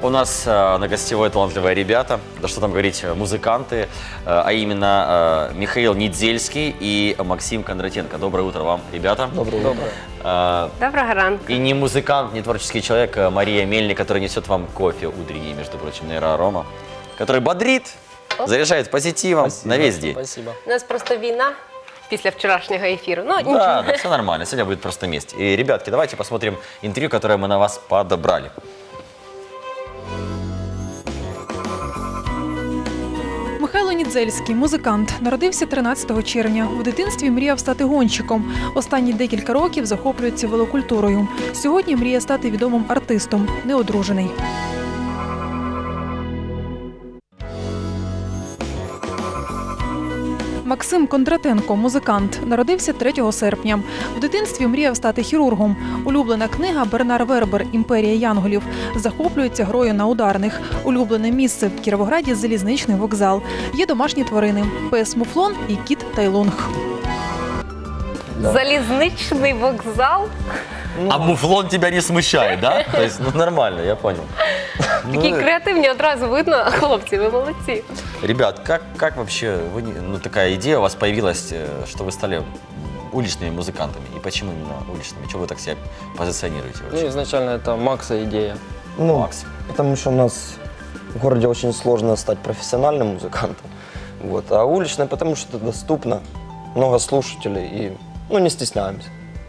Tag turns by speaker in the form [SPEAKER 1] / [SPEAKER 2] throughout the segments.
[SPEAKER 1] у нас на гостевой талантливые ребята, да что там говорить, музыканты, а именно Михаил Недзельский и Максим Кондратенко. Доброе утро вам, ребята.
[SPEAKER 2] Доброе утро.
[SPEAKER 3] Доброго ранку.
[SPEAKER 1] И не музыкант, не творческий человек Мария Мельник, которая несет вам кофе утренний, между прочим, нейроарома, который бодрит, заряжает позитивом на весь день.
[SPEAKER 2] Спасибо.
[SPEAKER 3] У нас просто війна після вчорашнього ефіру. Ну, нічого.
[SPEAKER 1] Да, да, все нормально, сегодня будет просто месть. И, ребятки, давайте посмотрим интервью, которое мы на вас подобрали.
[SPEAKER 4] Михайло Недзельський – музикант. Народився 13 червня. У дитинстві мріяв стати гонщиком. Останні декілька років захоплюється велокультурою. Сьогодні мріє стати відомим артистом. Неодружений. Максим Кондратенко – музикант. Народився 3 серпня. В дитинстві мріяв стати хірургом. Улюблена книга «Бернар Вербер. Імперія янголів». Захоплюється грою на ударних. Улюблене місце в Кіровограді – залізничний вокзал. Є домашні тварини – пес Муфлон і кіт Тайлонг.
[SPEAKER 2] Да.
[SPEAKER 3] Залізничний вокзал.
[SPEAKER 1] А муфлон тебя не смущает, да? То есть, ну нормально, я понял.
[SPEAKER 3] Такі креативні, одразу видно. Хлопці, ви молодці.
[SPEAKER 1] Ребят, как вообще, такая идея у вас появилась, что вы стали уличными музыкантами? И почему именно уличными? Чего вы так себя позиционируете вообще?
[SPEAKER 2] Ну, изначально это Макса идея.
[SPEAKER 5] Ну,
[SPEAKER 1] Макс.
[SPEAKER 5] потому что у нас в городе очень сложно стать профессиональным музыкантом. Вот. А уличный, потому что это доступно, много слушателей и не стесняемся.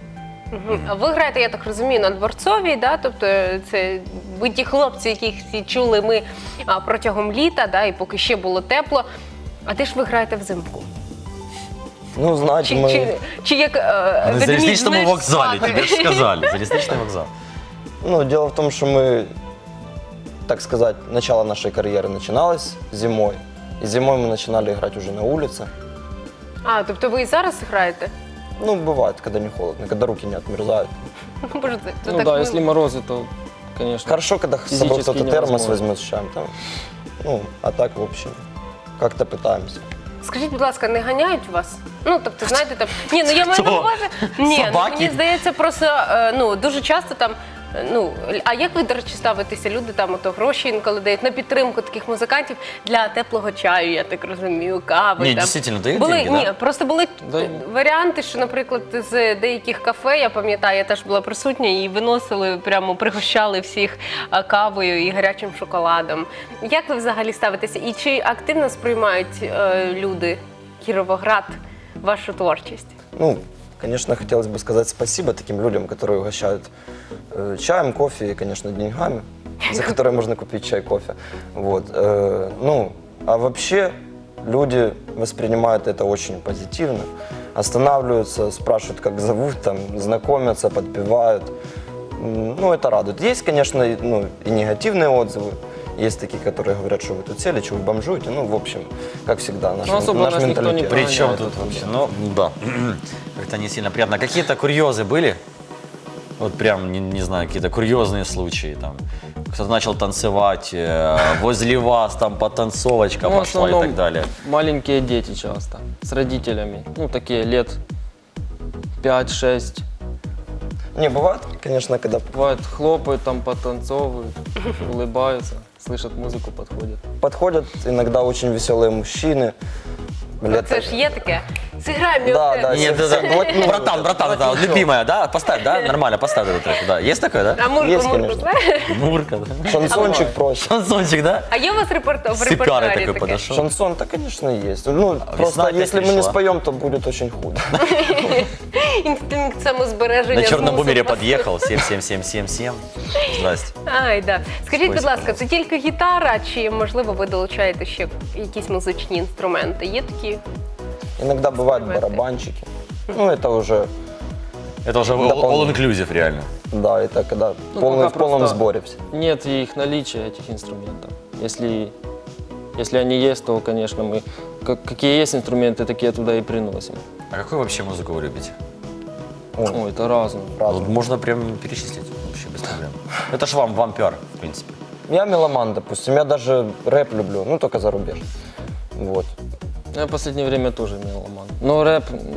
[SPEAKER 3] Ви граєте, я так розумію, на Дворцовій, да? Тобто це ви ті хлопці, яких всі чули ми протягом літа, да? І поки ще було тепло. А де ж ви граєте взимку?
[SPEAKER 5] Ну, знаете,
[SPEAKER 3] Чи як
[SPEAKER 1] На
[SPEAKER 3] ведмідь,
[SPEAKER 1] залізничному
[SPEAKER 3] знаєш,
[SPEAKER 1] вокзале,
[SPEAKER 3] спати?
[SPEAKER 1] тебе же сказали. Залізничний вокзал.
[SPEAKER 5] дело в том, что мы, так сказать, начало нашей карьеры начиналось зимой. И зимой мы начинали играть уже на улице.
[SPEAKER 3] А, тобто ви і зараз граєте?
[SPEAKER 5] Ну, бывает, когда не холодно, когда руки не отмерзают.
[SPEAKER 3] Боже, це
[SPEAKER 2] Ну
[SPEAKER 3] так
[SPEAKER 2] да,
[SPEAKER 3] мило.
[SPEAKER 2] если морозы, то, конечно.
[SPEAKER 5] Хорошо, когда с собой
[SPEAKER 2] Физически
[SPEAKER 5] кто-то термос
[SPEAKER 2] невозможно.
[SPEAKER 5] возьмет с чаем. Там, а так, в общем, как-то пытаемся.
[SPEAKER 3] Скажіть, будь ласка, не ганяють вас? Ну, тобто, знаєте, там... Ні, ну я маю на
[SPEAKER 1] Хто?
[SPEAKER 3] увазі... Ні, ну,
[SPEAKER 1] Собаки?
[SPEAKER 3] мені здається, просто, дуже часто там, а як ви, до речі, ставитеся? Люди там ото гроші інколи дають на підтримку таких музикантів для теплого чаю, я так розумію, кави.
[SPEAKER 1] Ні,
[SPEAKER 3] там.
[SPEAKER 1] дійсно, дають
[SPEAKER 3] були,
[SPEAKER 1] деньги,
[SPEAKER 3] ні,
[SPEAKER 1] да?
[SPEAKER 3] просто були
[SPEAKER 2] Да.
[SPEAKER 3] варіанти, що, наприклад, з деяких кафе, я пам'ятаю, я теж була присутня, і виносили, прямо пригощали всіх кавою і гарячим шоколадом. Як ви взагалі ставитеся? І чи активно сприймають люди Кіровоград вашу творчість?
[SPEAKER 5] Ну, конечно, хотелось бы сказать спасибо таким людям, которые угощают чаем, кофе и, конечно, деньгами, за которые можно купить чай, кофе. Вот. А вообще люди воспринимают это очень позитивно, останавливаются, спрашивают, как зовут, там, знакомятся, подпевают. Ну, это радует. Есть, конечно, и негативные отзывы. Есть такие, которые говорят, что вы тут сели, что вы бомжуете. Ну, в общем, как всегда, наш
[SPEAKER 2] особо
[SPEAKER 5] наш
[SPEAKER 2] нас никто не
[SPEAKER 5] менталитет.
[SPEAKER 2] при-
[SPEAKER 1] Причем
[SPEAKER 2] Прогоняют
[SPEAKER 1] тут
[SPEAKER 2] тут
[SPEAKER 1] вообще? Ну, да. Как-то не сильно приятно. Какие-то курьезы были? Вот прям, не знаю, какие-то курьезные случаи. Там кто-то начал танцевать, возле вас там потанцовочка
[SPEAKER 2] Ну, в
[SPEAKER 1] пошла и
[SPEAKER 2] основном
[SPEAKER 1] так далее.
[SPEAKER 2] маленькие дети часто, с родителями. Ну, такие лет 5-6.
[SPEAKER 5] Не, бывает, конечно, когда
[SPEAKER 2] Бывает, хлопают, там потанцовывают, улыбаются, слышат музыку, подходят.
[SPEAKER 5] подходят иногда очень веселые мужчины. Лет
[SPEAKER 3] Це ж є таке. Зіграй мій
[SPEAKER 5] Да,
[SPEAKER 3] отець.
[SPEAKER 5] да.
[SPEAKER 1] Нет, братан, да, любимая, да? Поставь, да? Нормально, поставь этот трек. Да. Есть такое, да?
[SPEAKER 3] А Мурку,
[SPEAKER 5] Есть,
[SPEAKER 3] Мурку,
[SPEAKER 5] конечно.
[SPEAKER 3] знаєш?
[SPEAKER 1] Мурка, да?
[SPEAKER 5] Шансончик просит.
[SPEAKER 1] Шансончик, да?
[SPEAKER 3] А є у вас в
[SPEAKER 1] Сыпярый
[SPEAKER 3] репертуарі
[SPEAKER 1] такой
[SPEAKER 3] таке?
[SPEAKER 1] подошел.
[SPEAKER 5] Шансон-то, конечно, есть. Ну, просто
[SPEAKER 1] опять
[SPEAKER 5] если мы не
[SPEAKER 1] пришла.
[SPEAKER 5] споем, то будет очень худо.
[SPEAKER 3] Інстинкт самозбереження.
[SPEAKER 1] На черном бумере
[SPEAKER 3] змусив вас.
[SPEAKER 1] подъехал, 77777. Здрасте.
[SPEAKER 3] Ай, да. Скажіть, будь
[SPEAKER 1] Спасибо,
[SPEAKER 3] ласка, це тільки гітара, чи, можливо, ви долучаєте ще якісь музичні інструменти? Є такі?
[SPEAKER 5] Иногда бывают барабанчики. Ну, это уже,
[SPEAKER 1] Это уже all-inclusive реально.
[SPEAKER 5] да, это когда
[SPEAKER 2] Ну,
[SPEAKER 5] в
[SPEAKER 2] пока
[SPEAKER 5] полном
[SPEAKER 2] просто
[SPEAKER 5] сборе все.
[SPEAKER 2] Нет их наличия, этих инструментов. Если они есть, то, конечно, мы какие есть инструменты, такие туда и приносим.
[SPEAKER 1] А какую вообще музыку вы любите?
[SPEAKER 2] Ой, это разное.
[SPEAKER 1] Вот можно прям перечислить вообще без проблем. Это ж вам пиар, в принципе.
[SPEAKER 5] Я меломан, допустим, я даже рэп люблю, только зарубеж. Вот.
[SPEAKER 2] Я в последнее время тоже меломан. Но рэп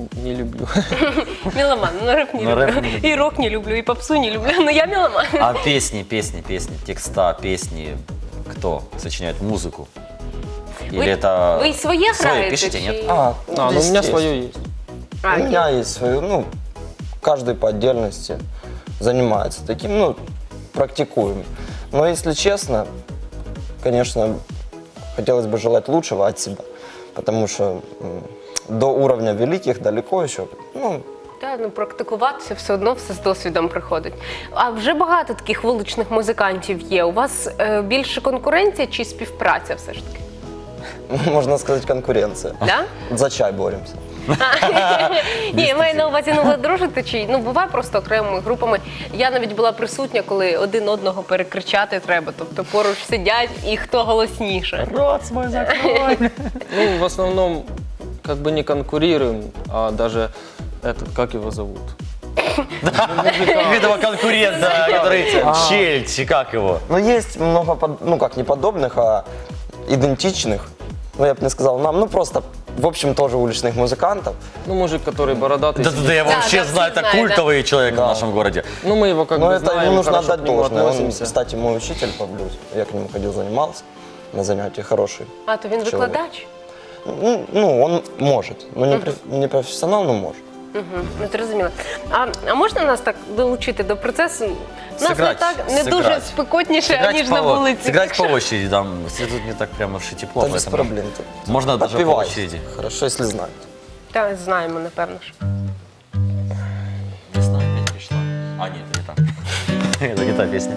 [SPEAKER 2] не люблю.
[SPEAKER 3] Меломан, ну рэп не
[SPEAKER 1] Ну, рэп
[SPEAKER 3] люблю.
[SPEAKER 1] не люблю.
[SPEAKER 3] И рок не люблю, и попсу не люблю, но я меломан.
[SPEAKER 1] А песни, текста, песни, кто сочиняет музыку? Или это...
[SPEAKER 3] Вы своє
[SPEAKER 1] Свои
[SPEAKER 3] граєте?
[SPEAKER 1] пишете,
[SPEAKER 3] чи-
[SPEAKER 1] нет?
[SPEAKER 2] Ну, у меня
[SPEAKER 5] естественно.
[SPEAKER 2] свое есть.
[SPEAKER 3] А,
[SPEAKER 5] У меня есть свое, ну, каждый по отдельности занимается таким, ну, практикуем. Но если честно, конечно, хотелось бы желать лучшего от себя, потому что до уровня великих далеко еще. Ну,
[SPEAKER 3] Та, ну, практикуватися все одно все з досвідом приходить. А вже багато таких вуличних музикантів є. У вас більше конкуренція чи співпраця все ж таки?
[SPEAKER 5] можно сказать, конкуренция.
[SPEAKER 3] Да?
[SPEAKER 5] За чай боремся.
[SPEAKER 3] Ні, я маю на увазі, ну ви дружите чи ну буває просто окремими групами. Я навіть була присутня, коли один одного перекричати треба. Тобто поруч сидять і хто голосніше.
[SPEAKER 1] Рот свой закрой.
[SPEAKER 2] Ну, в основном, как бы не конкурируем, а даже этот, как его зовут?
[SPEAKER 1] Видимо, конкурента, который Чельч, как его?
[SPEAKER 5] Но есть много, ну как не подобных, а идентичных. Ну, я бы не сказал нам, ну просто, в общем, тоже уличных музыкантов.
[SPEAKER 2] Ну, мужик, который бородатый.
[SPEAKER 1] Да,
[SPEAKER 2] сидит.
[SPEAKER 1] я
[SPEAKER 3] Да,
[SPEAKER 1] вообще
[SPEAKER 3] да,
[SPEAKER 1] знаю,
[SPEAKER 3] все
[SPEAKER 1] это
[SPEAKER 3] знают,
[SPEAKER 1] культовый человек
[SPEAKER 5] Да.
[SPEAKER 1] в нашем городе.
[SPEAKER 2] Ну, мы его как
[SPEAKER 5] Но
[SPEAKER 2] бы
[SPEAKER 5] это
[SPEAKER 2] знаем,
[SPEAKER 5] ему нужно
[SPEAKER 2] хорошо
[SPEAKER 5] отдать
[SPEAKER 2] к нему
[SPEAKER 5] должное. Он,
[SPEAKER 2] относимся.
[SPEAKER 5] кстати, мой учитель по блюзу. Я к нему ходил, занимался на занятия, хороший.
[SPEAKER 3] А то він
[SPEAKER 5] Чоловік.
[SPEAKER 3] викладач?
[SPEAKER 5] Ну, он может. Ну, не профессионал, но может.
[SPEAKER 3] Ну, зрозуміло. А можна нас так долучити до процесу? У нас не дуже
[SPEAKER 1] сыграть.
[SPEAKER 3] спекотніше,
[SPEAKER 1] Сыграть
[SPEAKER 3] ніж на вулиці.
[SPEAKER 1] Сыграть по очереди, там, тут не так прямо уж и тепло.
[SPEAKER 5] Да без
[SPEAKER 1] поэтому
[SPEAKER 5] проблем.
[SPEAKER 1] Можно даже по
[SPEAKER 5] Подпевай.
[SPEAKER 1] очереди.
[SPEAKER 5] Хорошо, если знают.
[SPEAKER 3] Так, знаємо, напевно ж.
[SPEAKER 1] Весна опять пришла. А, нет, это не та. Это не та песня.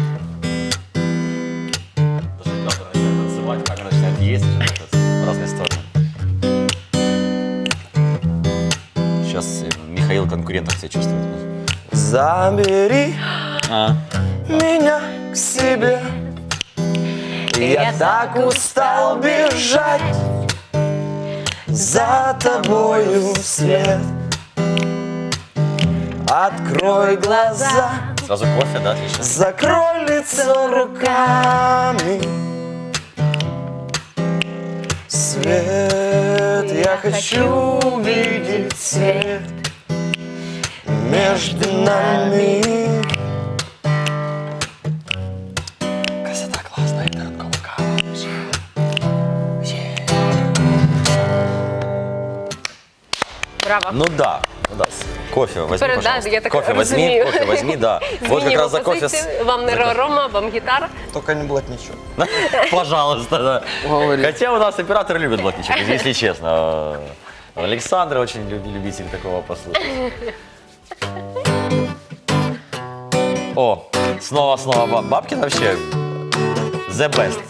[SPEAKER 1] Даже камера начинает танцевать, камера начинает есть в разные стороны. Сейчас Михаил конкурентов себя чувствует.
[SPEAKER 5] Забери
[SPEAKER 1] А,
[SPEAKER 5] меня к себе. Я так устал бежать за тобою вслед. Открой глаза,
[SPEAKER 1] сразу кофе, да, отлично.
[SPEAKER 5] закрой лицо руками. Свет, я хочу увидеть свет между нами. Красота классная, это ранкова.
[SPEAKER 3] Браво.
[SPEAKER 1] Ну да, ну да. Кофе возьми,
[SPEAKER 3] Перед- да,
[SPEAKER 1] пожалуйста.
[SPEAKER 3] я так
[SPEAKER 1] Кофе возьми,
[SPEAKER 3] разумею.
[SPEAKER 1] кофе возьми, да. Вот как раз за кофе.
[SPEAKER 3] Вам не рома, вам гітара.
[SPEAKER 5] Только не блатничок.
[SPEAKER 1] Пожалуйста, да.
[SPEAKER 2] Говорит.
[SPEAKER 1] Хотя у нас операторы любят блатничок, если честно. Александр очень любитель такого послушать. О, снова Бабкин вообще the best.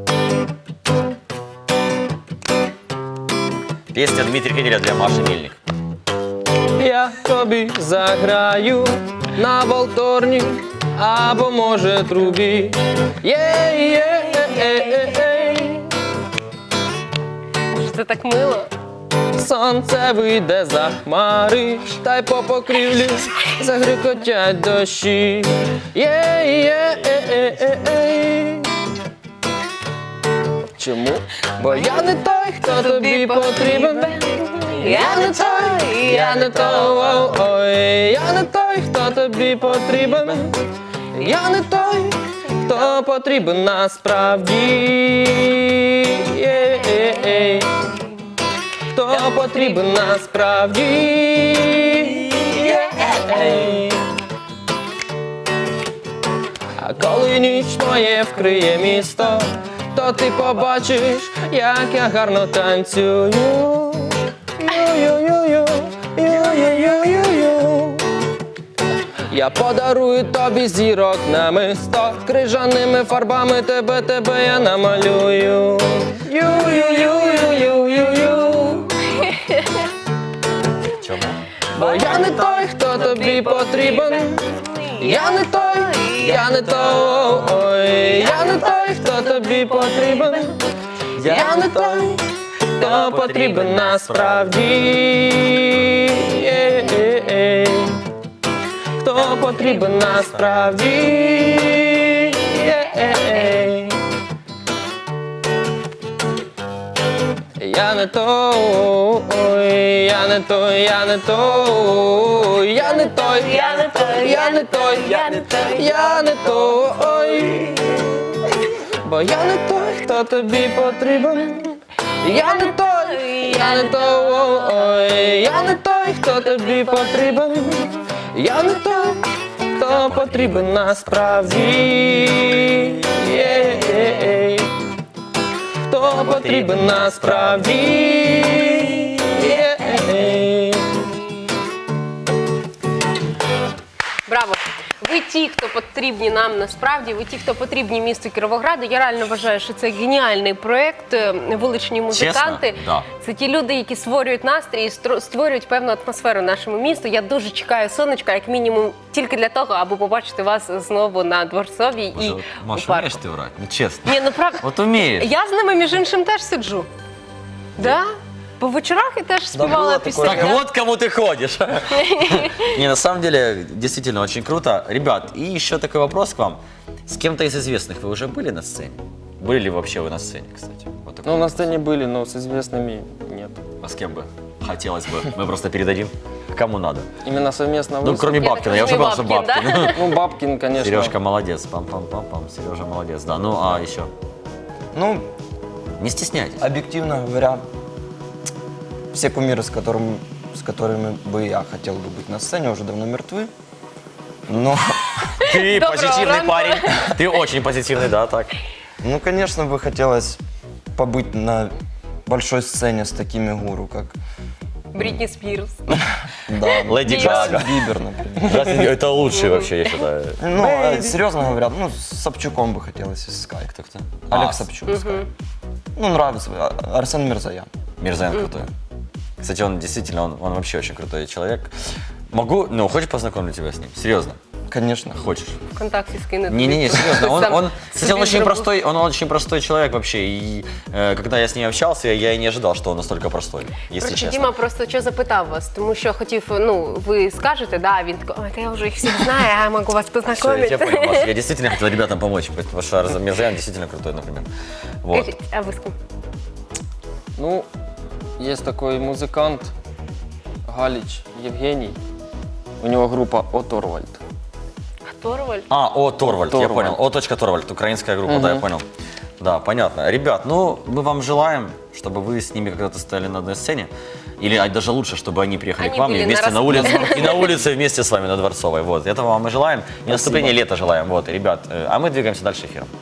[SPEAKER 1] Песня Дмитрия Феделя для Маши Мельник.
[SPEAKER 2] Я тобі заграю на волторні, або може трубі. Є-є-є-є-є.
[SPEAKER 3] Це так мило.
[SPEAKER 2] Сонце вийде за хмари, та й по покрівлі загрюкотять дощі. Є-є-є-є-є. Чому? Бо я не той, хто тобі потрібен. Я не той, я не той, ой, я не той, хто тобі потрібен. Я не той, хто потрібен насправді. Є-є-є. Хто потрібен насправді. Є-є-є. А коли ніч моє вкриє місто, то ти побачиш, як я гарно танцюю. Ю-ю-ю-ю, ю-ю-ю-ю-ю. Я подарую тобі зірок намисто, крижаними фарбами тебе я намалюю. Ю-ю-ю-ю-ю-ю-ю.
[SPEAKER 1] Чому?
[SPEAKER 2] Бо я не той, хто тобі потрібен. Я не той, я не той, я не той, хто тобі потрібен. Я не той, хто потрібен насправді. Є-є-є. Хто потрібен насправді. Є-є-є. я не той, я не той, я не той, я не той, я не той, я не той, я не той, я не той. Бо я не той, хто тобі потрібен. Я не той, я не той, я не той, хто тобі потрібен. Я не той, хто потрібен насправді. Хто потрібен насправді.
[SPEAKER 3] Браво! Ви ті, хто потрібні нам насправді, ви ті, хто потрібні місту Кіровограду. Я реально вважаю, що це геніальний проєкт «Вуличні музиканти».
[SPEAKER 1] Чесно? Да.
[SPEAKER 3] Це ті люди, які створюють настрій і створюють певну атмосферу нашому місту. Я дуже чекаю сонечка, як мінімум, тільки для того, аби побачити вас знову на Дворцовій і
[SPEAKER 1] Боже,
[SPEAKER 3] у
[SPEAKER 1] Маша,
[SPEAKER 3] парку.
[SPEAKER 1] умеешь ты врать? Ну, честно.
[SPEAKER 3] Ні, ну правда.
[SPEAKER 1] Вот умеешь.
[SPEAKER 3] Я з ними, між іншим, теж сиджу. Да? По вечорах я теж співала
[SPEAKER 5] було
[SPEAKER 3] пісні.
[SPEAKER 5] таке.
[SPEAKER 1] Так вот кому ты ходишь. Не, на самом деле, действительно очень круто. Ребят, и еще такой вопрос к вам. С кем-то из известных вы уже были на сцене? Были ли вообще вы на сцене, кстати? Вот такой
[SPEAKER 2] Ну, на
[SPEAKER 1] вопрос.
[SPEAKER 2] сцене были, но с известными нет.
[SPEAKER 1] А с кем бы? Хотелось бы. Мы просто передадим. Кому надо.
[SPEAKER 2] Именно совместно
[SPEAKER 1] Ну,
[SPEAKER 2] выступить.
[SPEAKER 1] кроме
[SPEAKER 3] Я
[SPEAKER 1] Бабкина.
[SPEAKER 3] так
[SPEAKER 1] Я уже
[SPEAKER 3] понимаю,
[SPEAKER 1] понял, что
[SPEAKER 3] Бабкин, да?
[SPEAKER 1] Бабкин.
[SPEAKER 2] Ну, Бабкин, конечно.
[SPEAKER 1] Сережка молодец. Пам-пам-пам-пам. Сережа молодец. Да, ну а еще?
[SPEAKER 5] Ну,
[SPEAKER 1] Не стесняйтесь.
[SPEAKER 5] объективно говоря, все кумиры, с которыми бы я хотел бы быть на сцене, уже давно мертвы. Но,
[SPEAKER 1] Ты
[SPEAKER 3] Доброго
[SPEAKER 1] позитивный
[SPEAKER 3] ранку.
[SPEAKER 1] парень. Ты очень позитивный, да, так.
[SPEAKER 5] ну, конечно, бы хотелось побыть на большой сцене с такими гуру, как
[SPEAKER 3] Брітні Спірс.
[SPEAKER 5] да,
[SPEAKER 1] Леди
[SPEAKER 5] Джастин
[SPEAKER 1] Гага.
[SPEAKER 5] Бибер, например.
[SPEAKER 1] Это лучший вообще, я считаю.
[SPEAKER 5] Ну, серьезно говоря, ну, с Собчуком бы хотелось из Sky.
[SPEAKER 1] Кто-кто?
[SPEAKER 5] Олег Собчук, Sky. Ну, нравится. Арсен Мирзоян.
[SPEAKER 1] Мирзаян крутой. Кстати, он действительно, он вообще очень крутой человек. Могу, ну, хочешь познакомить тебя с ним? Серьезно?
[SPEAKER 5] Конечно.
[SPEAKER 1] Хочешь?
[SPEAKER 3] ВКонтакте скинути.
[SPEAKER 1] Не-не-не, серьезно.
[SPEAKER 3] Сам
[SPEAKER 1] Кстати,
[SPEAKER 3] собі зробив.
[SPEAKER 1] он очень простой человек вообще. И когда я с ним общался, я и не ожидал, что он настолько простой, если
[SPEAKER 3] Короче,
[SPEAKER 1] честно.
[SPEAKER 3] Діма просто що запитав вас, тому що хотів, ну, ви скажете, да, він такий, ой, та я вже їх всіх знаю, я можу вас
[SPEAKER 1] Все, я
[SPEAKER 3] познайомити.
[SPEAKER 1] тебя понял, Маша. Я действительно хотел ребятам помочь, потому что Арсен Мирзаян действительно крутой, например. Вот.
[SPEAKER 3] Скажіть, а ви з ким?
[SPEAKER 2] Ну, есть такой музыкант Галич Евгений. У него группа Оторвальд.
[SPEAKER 3] Торвальд?
[SPEAKER 1] Торвальд, я
[SPEAKER 2] Торвальд.
[SPEAKER 1] понял. Торвальд, украинская группа, да, я понял. Да, понятно. Ребят, ну, мы вам желаем, чтобы вы с ними когда-то стояли на одной сцене. Или даже лучше, чтобы они приехали
[SPEAKER 3] Они
[SPEAKER 1] к вам
[SPEAKER 3] были
[SPEAKER 1] и вместе
[SPEAKER 3] на
[SPEAKER 1] на улице, и на улице вместе с вами на Дворцовой. Вот, этого вам и желаем. И наступления лета желаем. Вот, ребят, а мы двигаемся дальше эфиром.